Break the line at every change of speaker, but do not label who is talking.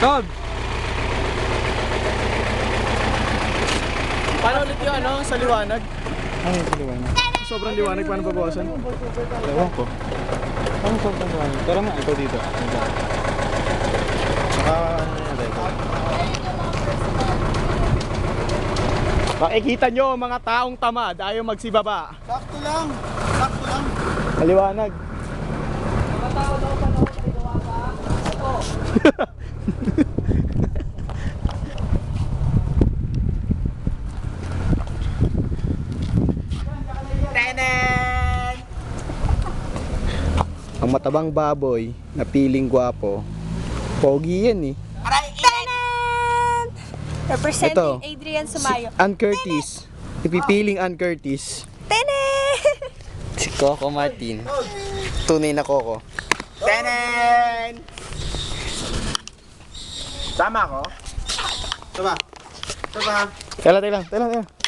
Tod!
Paano ulit yung ano, sa liwanag?
Ano yung liwanag?
Sobrang liwanag, paano babawasan?
Ewan ko. Ano sobrang liwanag? Tara nga, ikaw dito. Saka ano yan, record.
Makikita nyo mga taong tamad, ayaw magsibaba.
Sakto lang. Sakto lang.
Maliwanag. Tenen! Ang matabang baboy na piling gwapo. Pogi yan eh.
Tanan! Representing
Ito.
Adrian Sumayo.
Ann Curtis. Ipipiling Ann Curtis.
Tanan!
Si Coco Martin. Tunay na Coco. Tenen! Tama ko?
Tama. Tama.
Tela.